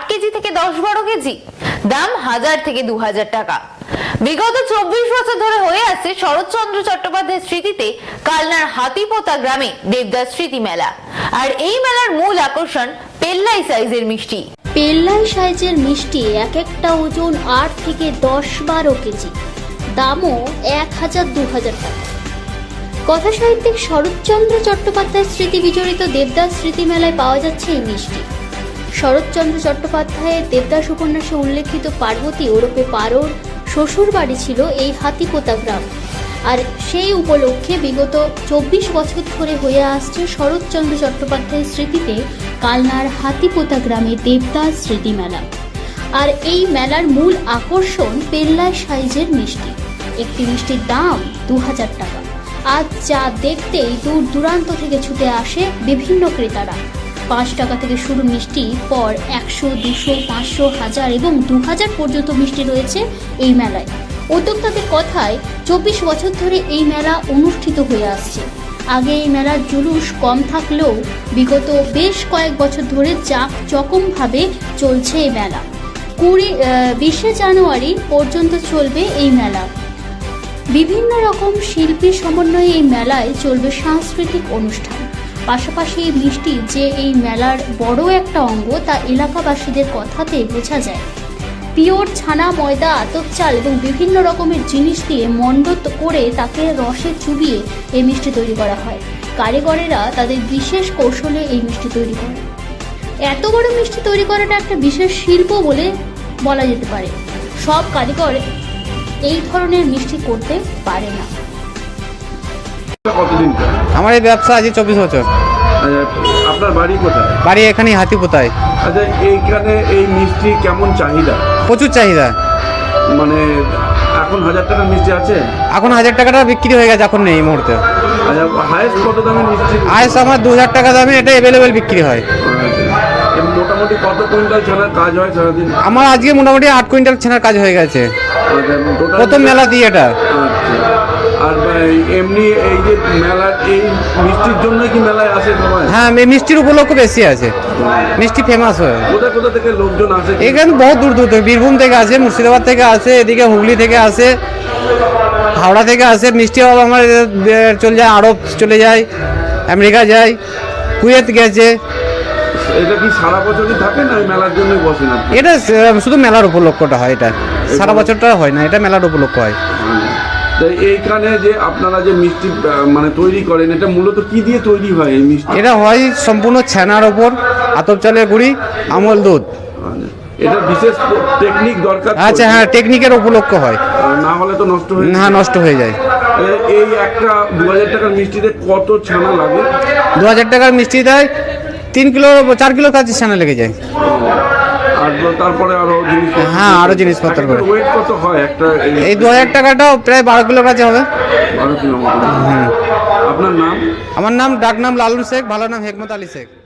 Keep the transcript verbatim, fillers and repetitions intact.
KG থেকে দশ বারো কেজি, দাম হাজার থেকে দু হাজার টাকা। বিগত চব্বিশ বছর ধরে হয়ে আসছে শরৎচন্দ্র চট্টোপাধ্যায়ের স্মৃতিতে কালনার হাতিপোতা গ্রামে দেবদাস স্মৃতি মেলা। আর এই মেলার মূল আকর্ষণ পেল্লাই সাইজের মিষ্টি। পেল্লাই সাইজের মিষ্টি এক একটা ওজন আট থেকে দশ বারো কেজি, দামও এক হাজার দু হাজার টাকা। কথা সাহিত্যিক শরৎচন্দ্র চট্টোপাধ্যায়ের স্মৃতি বিজড়িত দেবদাস স্মৃতি মেলায় পাওয়া যাচ্ছে এই মিষ্টি। শরৎচন্দ্র চট্টোপাধ্যায়ের দেবদাস উপন্যাসে উল্লেখিত পার্বতী ওরফে পারোর শ্বশুর বাড়ি ছিল এই হাতিপোতা গ্রাম। আর সেই উপলক্ষে বিগত চব্বিশ বছর ধরে হয়ে আসছে শরৎচন্দ্র চট্টোপাধ্যায়ের স্মৃতিতে কালনার হাতিপোতা গ্রামে দেবদাস স্মৃতি মেলা। আর এই মেলার মূল আকর্ষণ পেল্লাই সাইজের মিষ্টি। একটি মিষ্টির দাম দু হাজার টাকা। আজ যা দেখতেই দূর দূরান্ত থেকে ছুটে আসে বিভিন্ন ক্রেতারা। পাঁচ টাকা থেকে শুরু মিষ্টি, পর একশো, দুশো, পাঁচশো, হাজার এবং দু হাজার পর্যন্ত মিষ্টি রয়েছে এই মেলায়। উদ্যোক্তাদের কথায় চব্বিশ বছর ধরে এই মেলা অনুষ্ঠিত হয়ে আসছে। আগে এই মেলার জুলুস কম থাকলেও বিগত বেশ কয়েক বছর ধরে জাঁকজমকভাবে চলছে এই মেলা। কুড়ি বিশে জানুয়ারি পর্যন্ত চলবে এই মেলা। বিভিন্ন রকম শিল্পীর সমন্বয়ে এই মেলায় চলবে সাংস্কৃতিক অনুষ্ঠান। পাশাপাশি এই মিষ্টি যে এই মেলার বড় একটা অঙ্গ তা এলাকাবাসীদের কথাতে বোঝা যায়। পিওর ছানা, ময়দা, আতপ চাল এবং বিভিন্ন রকমের জিনিস দিয়ে মণ্ড করে তাকে রসে চুবিয়ে এই মিষ্টি তৈরি করা হয়। কারিগরেরা তাদের বিশেষ কৌশলে এই মিষ্টি তৈরি করে। এত বড় মিষ্টি তৈরি করাটা একটা বিশেষ শিল্প বলে বলা যেতে পারে। সব কারিগর এই ধরনের মিষ্টি করতে পারে না। আমার এই ব্যবসা আজ চব্বিশ বছর। আপনার বাড়ি কোথায়? বাড়ি এখানে হাতিপোতায়। আচ্ছা, এইখানে এই মিষ্টি কেমন চাহিদা? প্রচুর চাহিদা। মানে এখন হাজার টাকার মিষ্টি আছে? এখন হাজার টাকাটা বিক্রি হয়ে গেছে, এখন নেই এই মুহূর্তে। আচ্ছা, হাইস্ট কত দামের মিষ্টি? হাইস্ট আমার দু হাজার টাকা দামে এটা অ্যাভেলেবেল বিক্রি হয়। মোটামুটি কত কুইন্টাল ছানার কাজ হয় সারাদিন? আমার আজকে মোটামুটি আট কুইন্টাল ছানার কাজ হয়ে গেছে প্রথম মেলা দিয়ে এটা। আর এমনি এই যে মেলার এই মিষ্টির জন্য কি মেলায় আসে সবাই? হ্যাঁ, মিষ্টির উপলক্ষ বেশি আছে, মিষ্টি ফেমাস হয়। কোথায় কোথা থেকে লোকজন আসে? এখানে বহু দূর দূর থেকে, বীরভূম থেকে আসে, মুর্শিদাবাদ থেকে আসে, এদিকে হুগলি থেকে আসে, হাওড়া থেকে আসে। মিষ্টি আমার চলে যায় আরব, চলে যায় আমেরিকা যায়, কুয়েত গেছে। এটা কি সারা বছরই থাকে না মেলার জন্যই বসে না? এটা শুধু মেলার উপলক্ষটা হয়, এটা সারা বছরটা হয় না, এটা মেলার উপলক্ষ হয়। এইখানে যে আপনারা যে মিষ্টি মানে তৈরি করেন, এটা মূলত কি দিয়ে তৈরি হয় এই মিষ্টি? এটা হয় সম্পূর্ণ ছানার ওপর, আতপ চালের গুঁড়ি, আমল দুধ। এটা বিশেষ টেকনিক দরকার। আচ্ছা, হ্যাঁ, টেকনিকের উপলক্ষ হয়, না হলে তো নষ্ট হয়ে না নষ্ট হয়ে যায়। এই একটা দু হাজার টাকার মিষ্টিতে কত ছানা লাগে? দু হাজার টাকার মিষ্টি দেয় তিন কিলো চার কিলো কাছে ছানা লেগে যায়। আর তারপরে আরো জিনিসপত্র? হ্যাঁ, আরো জিনিসপত্র করে। ওয়েট কত হয় একটা? এই দু হাজার টাকাটাও প্রায় বারো কিলো কাছে হবে। বারো কিলো মতো। হ্যাঁ। আপনার নাম? আমার নাম ডাক নাম লালন শেখ, ভালো নাম হেকমত আলী শেখ।